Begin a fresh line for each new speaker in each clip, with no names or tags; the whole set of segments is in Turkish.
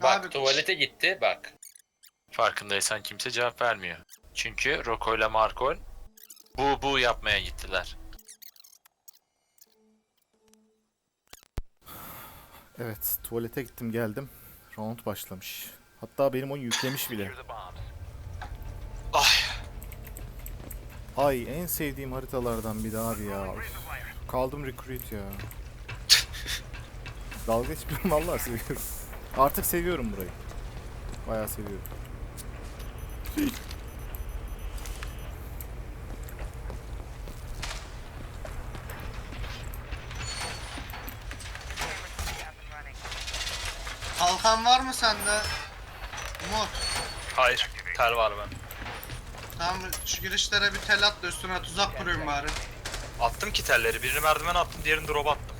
Bak
Abi-
tuvalete gitti bak. Farkındaysan kimse cevap vermiyor. Çünkü Rocco ile Marco bu yapmaya gittiler.
Evet, tuvalete gittim geldim. Round başlamış. Hatta benim oyun yüklemiş bile.
Ay.
Ay en sevdiğim haritalardan bir daha abi ya. Üf, kaldım recruit ya. Dalga geçmiyorum vallahi seviyorum. Artık seviyorum burayı. Bayağı seviyorum.
Kalkan var mı sende? Umut.
Hayır. Tel var ben.
Tamam şu girişlere bir tel at da üstüne tuzak kurayım bari.
Attım ki telleri. Birini merdiven attım, diğerini drop attım.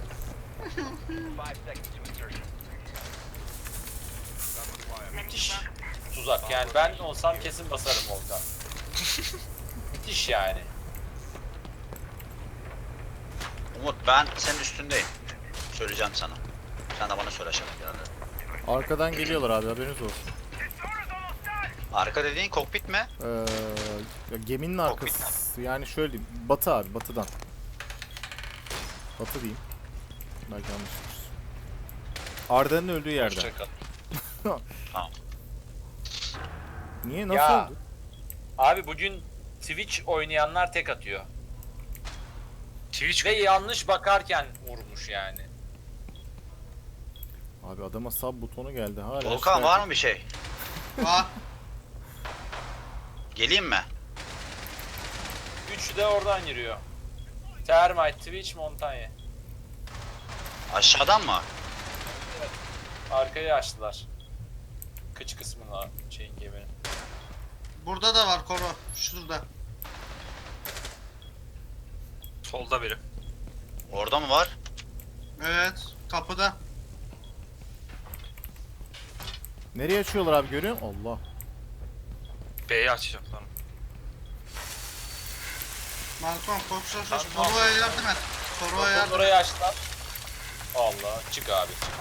Müthiş tuzak yani ben olsam kesin basarım Volkan. Müthiş yani.
Umut ben senin üstündeyim. Söyleyeceğim sana. Sen de bana söyle aşağıda geldi.
Arkadan geliyorlar abi haberiniz olsun.
Arka dediğin kokpit mi?
Ya geminin arkası. Yani şöyle diyeyim. Batı abi batıdan. Batı diyeyim. Belki yanlıştır. Arda'nın öldüğü yerden.
Hoşçakal.
Tamam.
Niye nasıl
Ya.
oldu?
Abi bugün Twitch oynayanlar tek atıyor.
Twitch
Ve yanlış bakarken vurmuş yani.
Abi adama sub butonu geldi hala.
Volkan
şikayet-
var mı bir şey?
Var.
Geleyim mi?
Üçü de oradan giriyor. Termite, Twitch, Montagne.
Aşağıdan mı?
Arkayı açtılar. Kıç kısmına şeyin geminin.
Burada da var Koro. Şurada.
solda biri.
Orada mı var?
Evet. Kapıda.
Nereye açıyorlar abi görüyor musun? Allah.
B'yi açacaklar.
Malcolm koş.
Tamam.
Koro'ya yardım et. Koro'ya yardım et.
Orayı açtılar. Allah çık abi çık.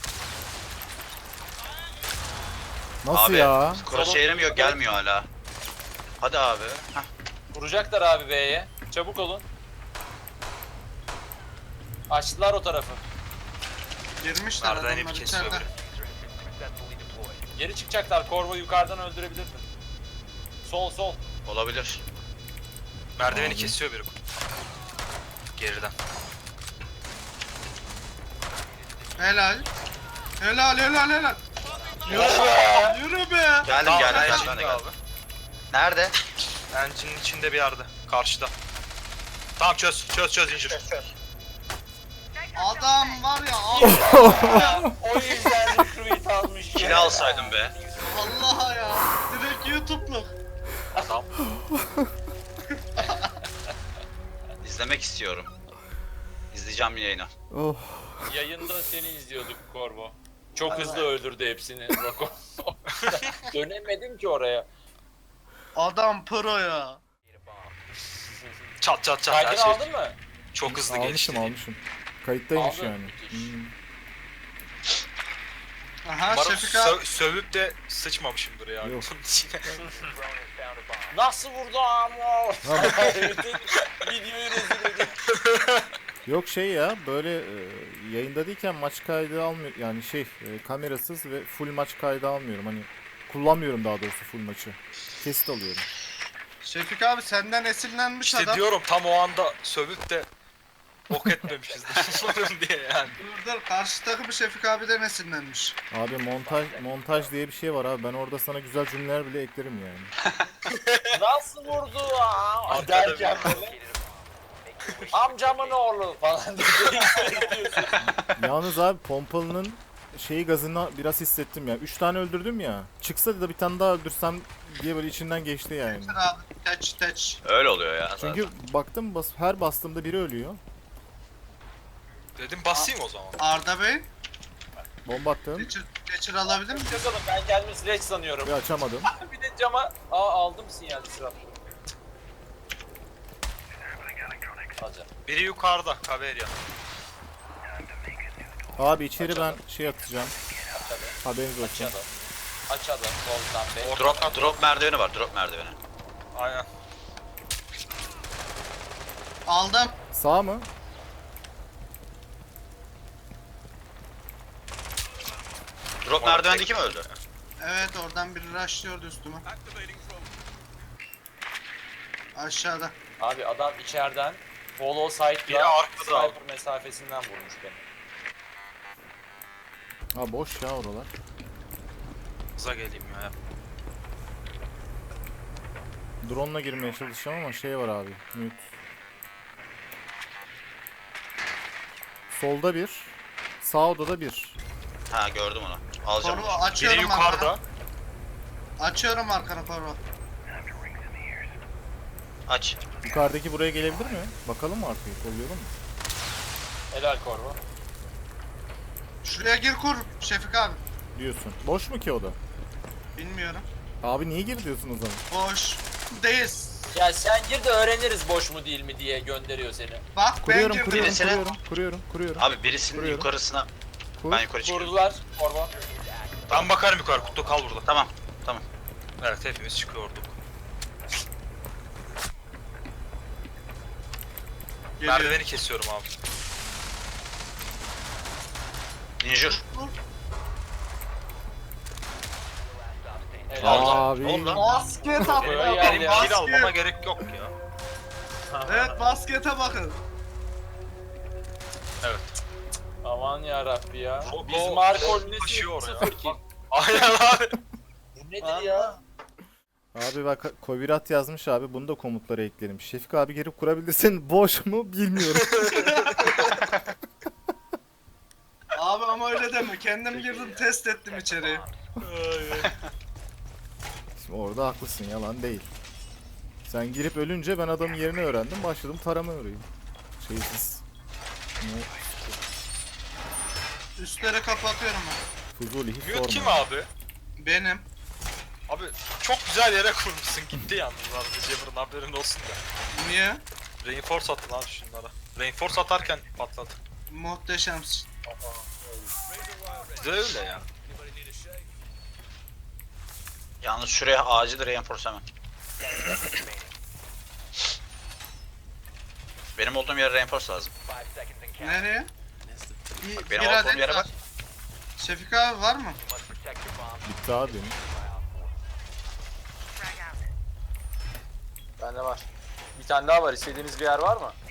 Nasıl
abi,
ya?
Crosshair'im yok, gelmiyor hala. Hadi abi. Heh.
Vuracaklar abi B'ye. Çabuk olun. Açtılar o tarafı.
Girmişler
Merdiven
adamlar
ip kesiyor
içeride.
biri.
Geri çıkacaklar. Corvo yukarıdan öldürebilirdi. Sol.
Olabilir.
Merdiveni
Abi.
kesiyor biri. Geriden.
Helal. Helal.
Yürü be!
Yürü be.
Geldim
Tamam,
geldim
engine'de
geldim.
abi.
Nerede?
Engine'in içinde bir yerde. Karşıda. Tamam çöz incir.
Adam var ya.
O yüzden recruit almış.
Kili alsaydım be.
Allah ya. Direkt YouTube'luk.
Tamam.
İzlemek istiyorum. İzleyeceğim yayını.
Oh.
Yayında seni izliyorduk Corvo. Çok hızlı öldürdü hepsini Rocco. Dönemedim ki oraya.
Adam pro ya.
Çat her
Kaydını
şey.
aldın mı?
Çok hızlı gelişti.
Almışım. Kayıttaymış
Aldın.
yani.
Müthiş.
Hmm.
Aha
Umarım
Şefik abi.
sövüp de sıçmamışımdır ya.
Yok.
Bunun içine.
Nasıl vurdu ama? Bütün videoyu rezil edin.
Yok şey ya böyle yayında değilken maç kaydı almıyor yani kamerasız ve full maç kaydı almıyorum hani kullanmıyorum daha doğrusu full maçı. Kesit alıyorum.
Şefik abi senden esinlenmiş
İşte
adam.
diyorum tam o anda sövüp de ok etmemişizdir umarım diye yani.
Dur karşı takımı Şefik abiden esinlenmiş.
Abi montaj diye bir şey var abi ben orada sana güzel cümleler bile eklerim yani.
Nasıl vurdu aa? Derken böyle. Amcamın oğlu falan diye diyorsun.
Yalnız abi pompalının gazını biraz hissettim ya. 3 tane öldürdüm ya. Çıksa da bir tane daha öldürsem diye böyle içinden geçti yani.
Getir abi. Teç.
Öyle oluyor ya zaten.
Çünkü baktım her bastığımda biri ölüyor.
Dedim basayım o zaman.
Arda Bey.
Bomba attım.
Geçir alabilir miyim?
Bakalım ben kendimi Sledge sanıyorum.
Bir açamadım.
Bir de cama aldım sinyal sıra. Alacağım.
Biri yukarıda Kaverya.
Abi içeri ben atacağım.
Tabii.
Haberiniz olsun.
Açalım. Açalım Volkan Bey.
Drop merdiveni var. Drop merdiveni.
Aynen.
Aldım.
Sağ mı?
Drop merdivendeki mi öldü?
Evet oradan biri rushlıyordu üstüme. Aşağıda.
Abi adam içeriden follow
Biri
side'la
arkada abi.
sniper mesafesinden vurmuş beni.
Ha boş ya oralar.
Hıza geleyim ya.
Drone'la girmeye çalışacağım ama şey var abi. Mute. Solda bir. Sağ odada bir.
Ha gördüm onu. Alacağım
Koru
onu.
Biri
açıyorum
yukarıda.
arkanı. Açıyorum arkanı koru.
Aç.
Yukarıdaki buraya gelebilir mi? Bakalım mı arkayı? Kollayalım mı?
Helal Korvo.
Şuraya gir kur Şefik abi.
Diyorsun. Boş mu ki o da?
Bilmiyorum.
Abi niye gir diyorsun o zaman?
Boş. Değil.
Ya sen gir de öğreniriz boş mu değil mi diye gönderiyor seni.
Bak ben
Kuruyorum,
girdim.
kuruyorum,
Birisine-
kuruyorum.
Abi birisinin
Kuruyorum.
yukarısına.
Kur.
Ben yukarı çıkıyorum.
Kurdular Korvo.
Ben bakarım yukarı. Kutu kal burada.
Tamam.
Evet hepimiz çıkıyorduk.
Geliyor.
Merdiveni kesiyorum abi.
Injur.
Helal.
Abi.
Ne oldu lan?
Basket
Buraya
atma.
gel ya.
Kill almama gerek yok ya.
Evet baskete bakın.
Evet.
Aman yarabbi ya.
Roko
Biz Markol
taşıyor ya.
0 kill.
Aynen abi.
Bu nedir ya?
Abi bak Kovirat yazmış abi. Bunu da komutlara ekledim. Şefik abi gelip kurabilirsin. Boş mu bilmiyorum.
Abi ama öyle deme. Kendim girdim test ettim içeriye.
Şimdi orada haklısın, yalan değil. Sen girip ölünce ben adamın yerini öğrendim. Başladım tarama orayı. Şeysiz. Ne?
Üstleri kapatıyorum ben.
Fuzuli hiç
Mute kim
sorma.
abi?
Benim.
Abi çok güzel yere kurmuşsun. Gitti yalnız abi. Cemur'un haberin olsun da.
Niye?
Reinforce attın abi şunlara. Reinforce atarken patladı.
Muhteşemsin.
Bize öyle ya.
Yalnız şuraya acil reinforce hemen. Benim olduğum yere reinforce lazım.
Nereye?
Bak benim
Bir
olduğum
adet
yere
var.
bak.
Şefik abi var mı?
Bitti abi benim.
Bende var. Bir tane daha var. İstediğiniz bir yer var mı?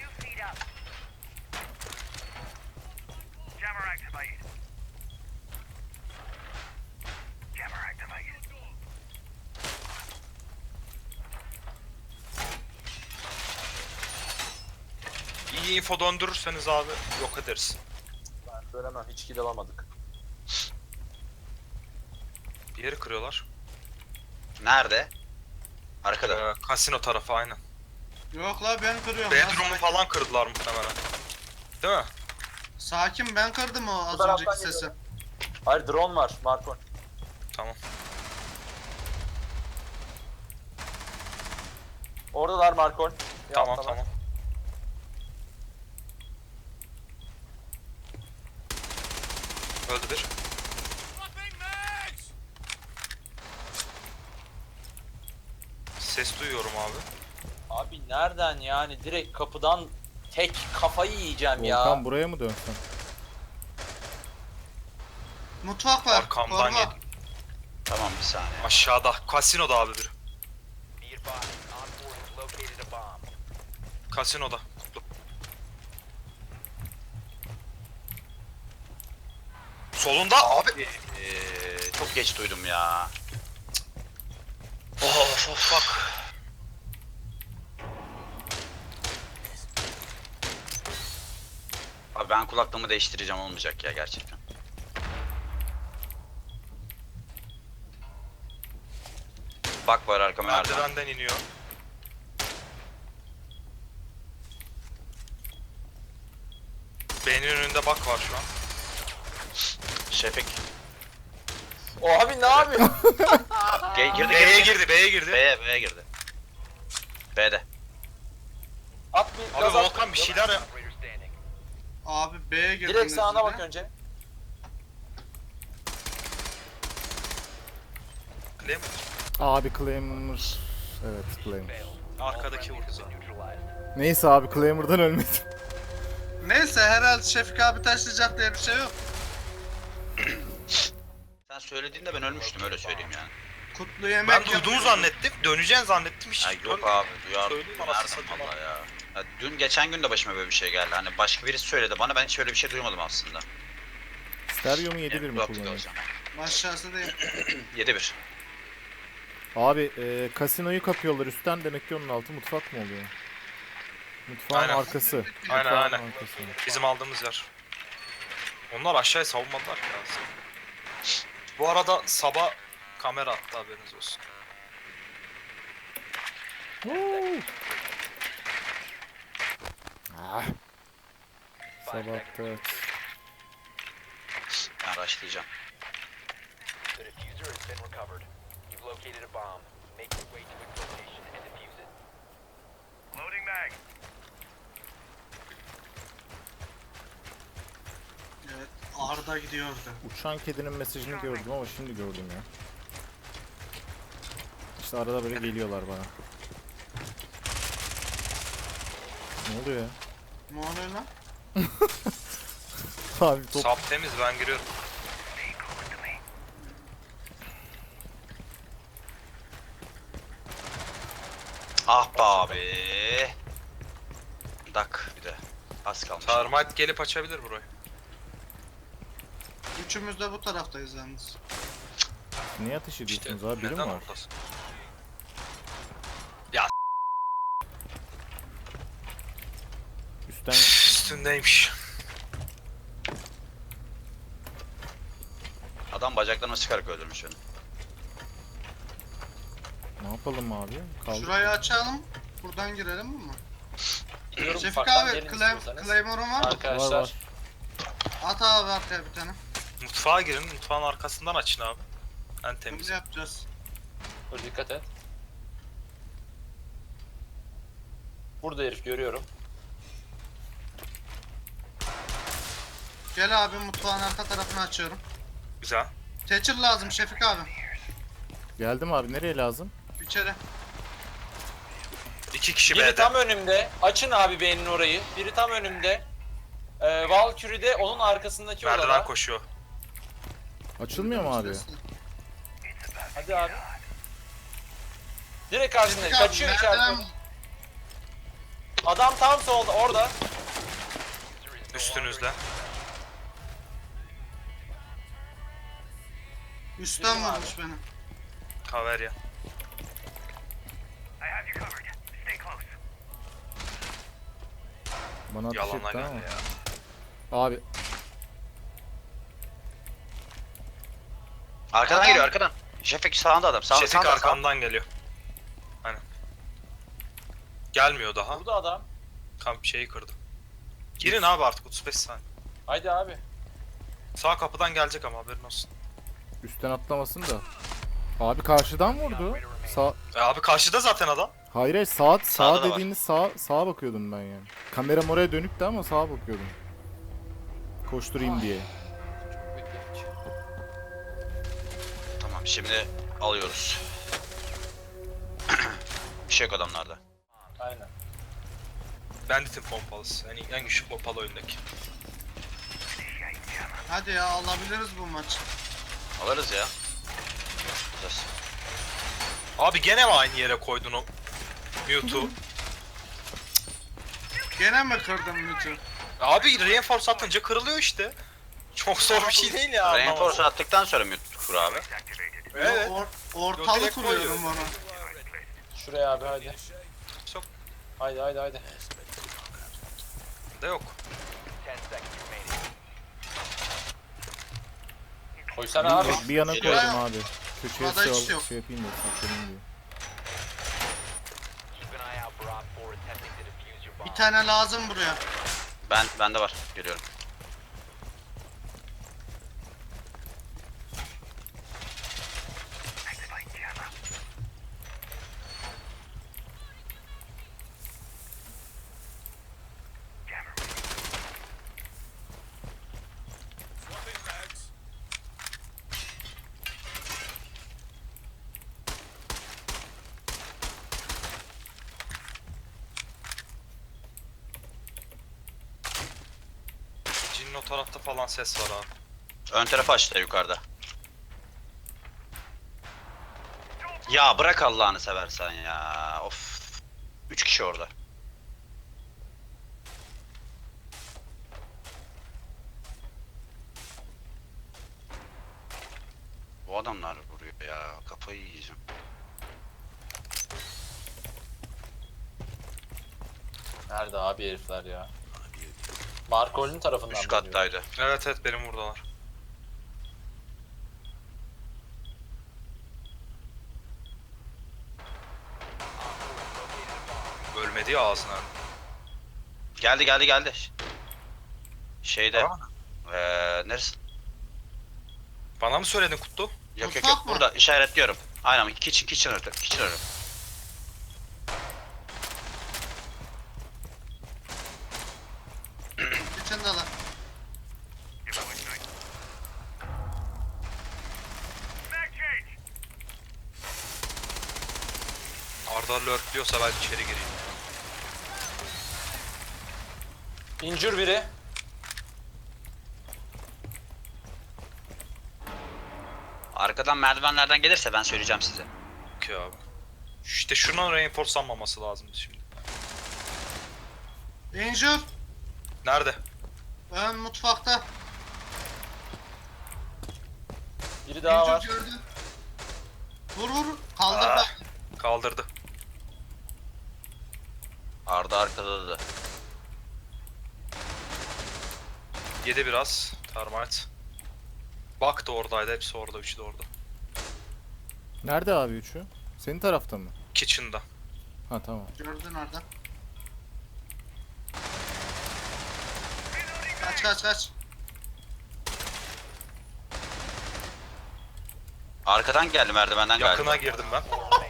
İyi info döndürürseniz abi yok ederiz.
Ben söylemem. Hiç kill alamadık.
Bir yeri kırıyorlar.
Nerede? Arkada.
Kasino tarafı aynen.
Yok la ben kırıyorum.
Bedroom'u falan kırdılar muhtemelen. Değil mi?
Sakin ben kırdım o az
taraftan
önceki sesi.
Hayır drone var Markol.
Tamam.
Oradalar Markol. Bir
Tamam
alttalar.
tamam. Öldü bir. Ses duyuyorum abi.
Abi nereden yani direkt kapıdan tek kafayı yiyeceğim ya.
Volkan buraya mı dönsen?
Mutfak var.
Arkamdan
Koruma.
yedim.
Tamam bir saniye.
Aşağıda. Kasinoda abi biri. Kasinoda. Kutlu. Solunda abi.
Çok geç duydum ya.
Of of bak.
Abi ben kulaklığımı değiştireceğim, olmayacak ya gerçekten. Bak var arkama nerede?
Merdivenden iniyor. Beynin önünde bak var şu an.
Şefik.
O abi ne yapıyor?
Girdi
B'ye girdi, B'ye girdi.
B'ye girdi. B'de.
At bir
Abi
gaz at.
Volkan bir şeyler yap.
Abi B'ye girdiniz.
Direkt sağına
bir
bak
de.
önce.
Claim.
Abi Claymore. Evet Claymore.
Arkadaki vurdu zaten.
Neyse abi Claymore'dan ölmedim.
Neyse herhalde Şefik abi taşlayacak diye bir şey yok.
Sen söylediğinde ben ölmüştüm öyle söyleyeyim yani.
Kutlu yemek
Ben duyduğumu
yapıyoruz.
zannettim. Döneceğini zannettim hiç.
Ya yok abi duyar.
Söyleyeyim anasını
Nereden
satayım
valla ya. Ya. Dün geçen gün de başıma böyle bir şey geldi. Hani başka birisi söyledi bana ben hiç öyle bir şey duymadım aslında.
Stereo mu 7.1 mi
Yok,
kullanıyor?
olacağım.
Aşağısı değil.
7-1.
Abi kasinoyu kapıyorlar üstten, demek ki onun altı mutfak mı oluyor? Mutfağın
Aynen.
arkası.
Aynen,
Mutfağın
aynen.
arkası.
Bizim aldığımız yer. Onlar aşağıya savunmadılar ki aslında. Bu arada sabah kamera attı haberiniz olsun.
Woo! Ah. Sabahta evet.
Ben başlayacağım.
The diffuser has been recovered. You've located a bomb. Make your way to its location and defuse it. Loading mag.
Evet, Arda gidiyordu.
Uçan kedinin mesajını gördüm ama şimdi gördüm ya. İşte arada böyle geliyorlar bana. Ne oluyor ya?
Ne oluyor lan?
Abi top.
Sap temiz ben giriyorum.
Ah be abi. Dak bir de. Az kalmış.
Termite gelip açabilir burayı.
Üçümüz de bu taraftayız yalnız.
Niye ateş
İşte
ediyorsunuz abi? Biri mi
neden
var?
oradasın?
Üstten
Üstündeymiş.
Adam bacaklarına sıkarak öldürmüş beni.
ne yapalım abi? Kaldık.
Şurayı açalım. Buradan girelim mi?
Gidiyorum,
Şefik
ufaktan
abi
gelin istiyorsanız.
Claymore'un var mı?
Arkadaşlar.
Var, var.
At abi arkaya bir tane.
Mutfağa girin. Mutfağın arkasından açın abi. En
Biz
temiz.
yapacağız.
Dur dikkat et. Burada herif görüyorum.
Gel abi mutfağın arka tarafını açıyorum.
Güzel.
Thatcher lazım Şefik abi.
Geldim abi, nereye lazım?
İçeri.
2 kişi
Biri
B'de.
tam önümde. Açın abi benim orayı. Biri tam önümde. Valkyrie de onun arkasındaki
Merdiven
odada.
koşuyor.
Açılmıyor mu abi?
Hadi abi. Direkt karşında.
Şefik abi,
Kaçıyor
merdiven-
içeride. Adam tam solda orada.
Üstünüzde.
Üstten
Bizim abi.
vurmuş beni.
Kaverya.
Bana ateş
Yalana
etti
geldi
ama.
ya.
Abi
Arkadan
Adam-
geliyor arkadan. Şefik sağında adam. Sağında
Şefik
sağında.
arkamdan geliyor. Aynen. Gelmiyor daha.
Burada adam.
Kamp şeyi kırdı. Girin abi artık 35 saniye.
Haydi abi.
Sağ kapıdan gelecek ama haberin olsun.
üstten atlamasın da. Abi karşıdan vurdu. Sağ.
Abi karşıda zaten adam.
Hayır hayır, sağ
Sağda da var.
dediğiniz sağa bakıyordum ben yani. Kameram oraya dönüktü ama sağa bakıyordum. Koşturayım diye.
Tamam şimdi alıyoruz. Bir şey yok adamlarda.
Aynen.
Bandit'in pompalısı. Yani en güçlü pompalı oyundaki.
Hadi ya alabiliriz bu maçı.
Alırız ya. Alacağız.
Abi gene mi aynı yere koydun o Mewtwo?
Gene mi kırdım Mütü?
Abi reinforce atınca kırılıyor işte. Çok zor bir şey değil ya.
Reinforce'u attıktan sonra mute kur abi.
Evet.
Ortalık
direkt
kuruyorum
koyuyorum.
onu.
Şuraya abi haydi.
Çok
Haydi haydi haydi.
da yok.
10 seconds remaining.
Koysana abi.
Bir yana
Geliyor.
koydum abi. Köşeye
Burada hiç yok.
şey yapayım da saklanayım diye.
Keep an eye out for Op 4 attempting to defuse your bomb.
Bir tane lazım buraya.
Bende var. Geliyorum.
o tarafta falan ses var abi.
Ön tarafı açtı yukarıda. Ya bırak Allah'ını seversen ya. Of. 3 kişi orada. Bu adamlar vuruyor ya. Kafayı yiyeceğim.
Nerede abi herifler ya? Markol'ün tarafından
Üst
mı geliyor?
kattaydı.
Evet evet benim buradalar. Ölmedi ya ağzına.
Geldi. Şeyde.
Tamam.
Neresi?
Bana mı söyledin Kutlu?
Yok. Burada işaretliyorum. Aynen. Kitchen önü.
İçindeler.
Arda lurkliyorsa ben içeri gireyim.
İncir biri.
Arkadan merdivenlerden gelirse ben söyleyeceğim size.
Okey abi. İşte şunun reinforcelanmaması lazımdı şimdi.
Injur.
Nerede?
Ön mutfakta.
Biri daha var.
Injur gördüm. Vur. Kaldır
Ah.
bak.
Kaldırdı.
Arda arkada da.
Yedi biraz. Termite. Bak da oradaydı. Hepsi orada. Üçü de orada.
Nerede abi üçü? Senin tarafta mı?
Kitchen'da.
Ha tamam.
Gördün orada. Kaç.
Arkadan geldi merdivenden galiba.
Yakına girdim ben.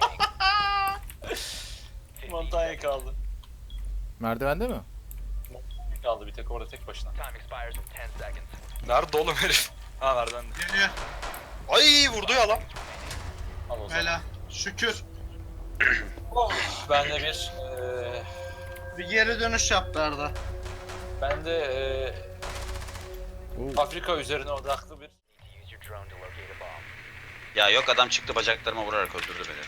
Montanya kaldı.
Merdivende mi?
Kaldı bir tek orada tek başına.
Time expires in 10 seconds.
Nerede oğlum herif? Ha nereden?
Geliyor.
Ay vurdu ya lan.
Al o zaman.
Bela. Şükür.
Oh, ben de
Bir geri dönüş yaptı Arda.
ben de
Oo.
Afrika üzerine odaklı bir
Need to use your drone to locate a bomb.
Ya yok adam çıktı bacaklarıma vurarak öldürdü beni.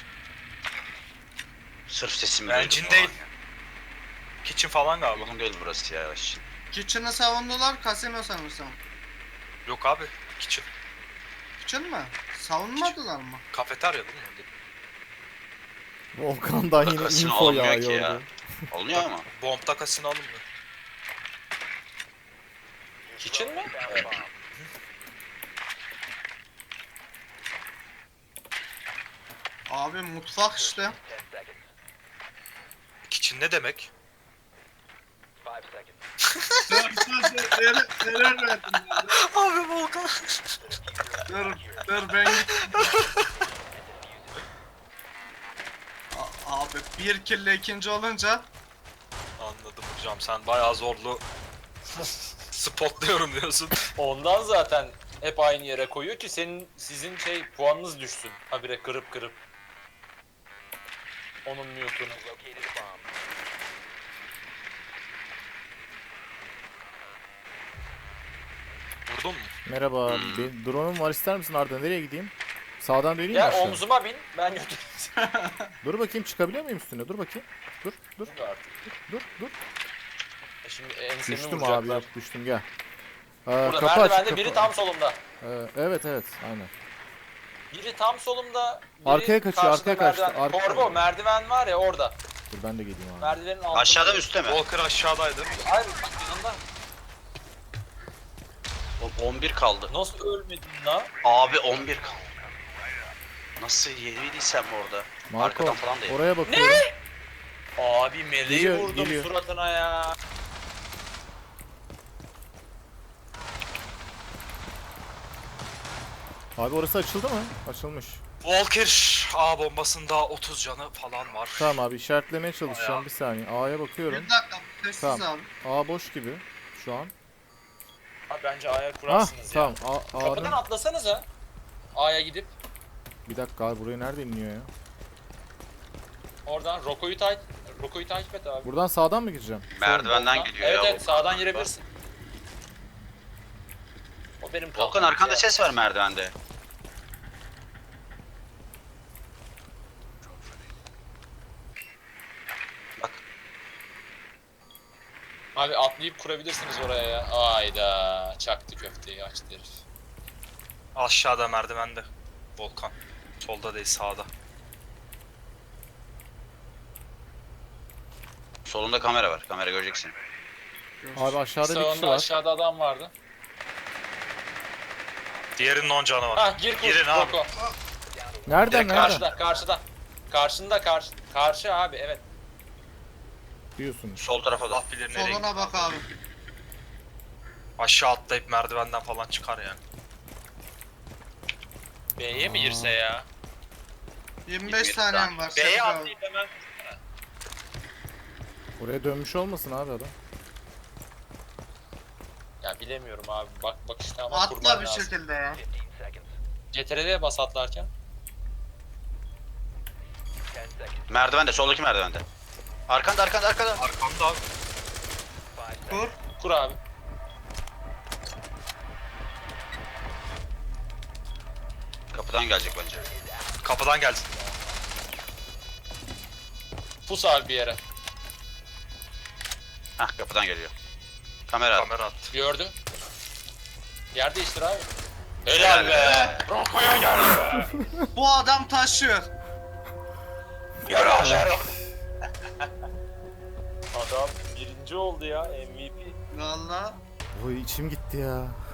Sırf sesimi duydum.
Engine değil. Kitchen falan galiba.
Uygun değil burası ya.
Kitchen'ı savundular. Casino sanırsam.
Yok abi. Kitchen.
Kitchen mi? Savunmadılar mı?
Kafeterya değil mi?
Volkan'dan yine
Kasino
info
olmuyor ki
yağıyor.
ya. Olmuyor mu?
Bomb'da kasino alınmıyor.
Kitchen mi?
Found a
Evet.
bomb.
Abi mutfak işte.
10 seconds.
Kitchen ne demek?
5 seconds.
Neler verdim ya.
Abi Volkan.
Dur ben gittim. Abi bir kille ikinci olunca
Anladım hocam sen bayağı zorlu spotluyorum diyorsun.
Ondan zaten hep aynı yere koyuyor ki sizin puanınız düşsün. Habire kırıp. Onun mute'unu.
Located a bomb.
Vurdun mu?
Merhaba. Drone'um var, ister misin Arda? Nereye gideyim? Sağdan döneyim mi
Ya
aşağı?
omzuma bin, ben götüreyim
Dur bakayım, çıkabiliyor muyum üstüne? Dur bakayım. Dur.
seni artık.
Dur.
Şimdi ensemi
Düştüm
vuracaklar.
abi, yok düştüm, gel.
Burada
Kapı aç,
merdivende
kapı.
biri tam solumda.
Evet, aynen.
Biri tam solumda. Biri
Arkaya kaçıyor,
karşıda
arkaya kaçtı,
merdiven.
arkaya.
Korbo merdiven var ya orada.
Dur ben de geleyim abi.
Merdivenin altında.
Aşağıda mı üstte mi?
Walker aşağıdaydı.
Hayır yanında.
11 kaldı.
Nasıl ölmedin lan?
Abi 11 kaldı. Nasıl yediysem orada.
Marco,
Arkadan falan değil.
oraya bakıyorum.
Abi meleği
Geliyor,
vurdum
geliyor.
suratına ya.
Abi orası açıldı mı? Açılmış.
Walker A bombasında 30 canı falan var.
Tamam abi, işaretlemeye çalışacağım,
Bayağı.
bir saniye. A'ya bakıyorum.
bir dakika sessiz
Tamam.
abi.
A boş gibi şu an.
Abi bence A'ya
Ah
kurarsınız ya.
tamam.
Kapıdan
A'nın...
atlasanıza. A'ya gidip
Bir dakika abi, buraya nerede iniyor ya?
oradan Roko'yu takip et abi.
Buradan sağdan mı gireceğim?
Merdivenden
Soldan.
gidiyor
Evet
ya.
evet sağdan girebilirsin. O benim
Volkan
kalkım.
arkanda ses var merdivende. Bak.
Abi atlayıp kurabilirsiniz oraya ya. Ayda çaktı köfteyi açtı herif.
Aşağıda merdivende. Volkan. Solda değil sağda.
Solunda kamera var. Kamera göreceksin.
Abi aşağıda bir kişi
Sağında
var.
aşağıda adam vardı.
Diğerinin 10 canı var.
Ah gir kur.
Girin abi.
Roko.
Nereden
Direkt
nereden?
Karşıda karşıda. Karşında karşı abi evet.
Diyorsunuz.
Sol tarafa da.
Allah bilir nereye gitti.
Soluna bak abi.
Aşağı atlayıp merdivenden falan çıkar yani.
B'ye mi girse ya?
25 saniyem var.
B'ye
Sekiz abi.
atlayıp hemen.
Oraya dönmüş olmasın abi adam.
Ya bilemiyorum abi. Bak işte ama
Atla
kurban
bir
lazım.
şekilde ya.
15 seconds.
CTRL'ye bas atlarken.
10 seconds.
Merdivende. Soldaki merdivende. Arkanda.
Arkamda abi.
5 seconds.
Kur.
Kur abi.
Kapıdan gelecek bence.
Kapıdan gelsin.
Pus abi bir yere.
Hah kapıdan geliyor. Kamera.
Kamera attı.
Gördüm. Yer değiştir abi. Helal be. Roko'ya gel.
Bu adam taşıyor.
Adam birinci oldu ya MVP.
Valla.
Oy içim gitti ya.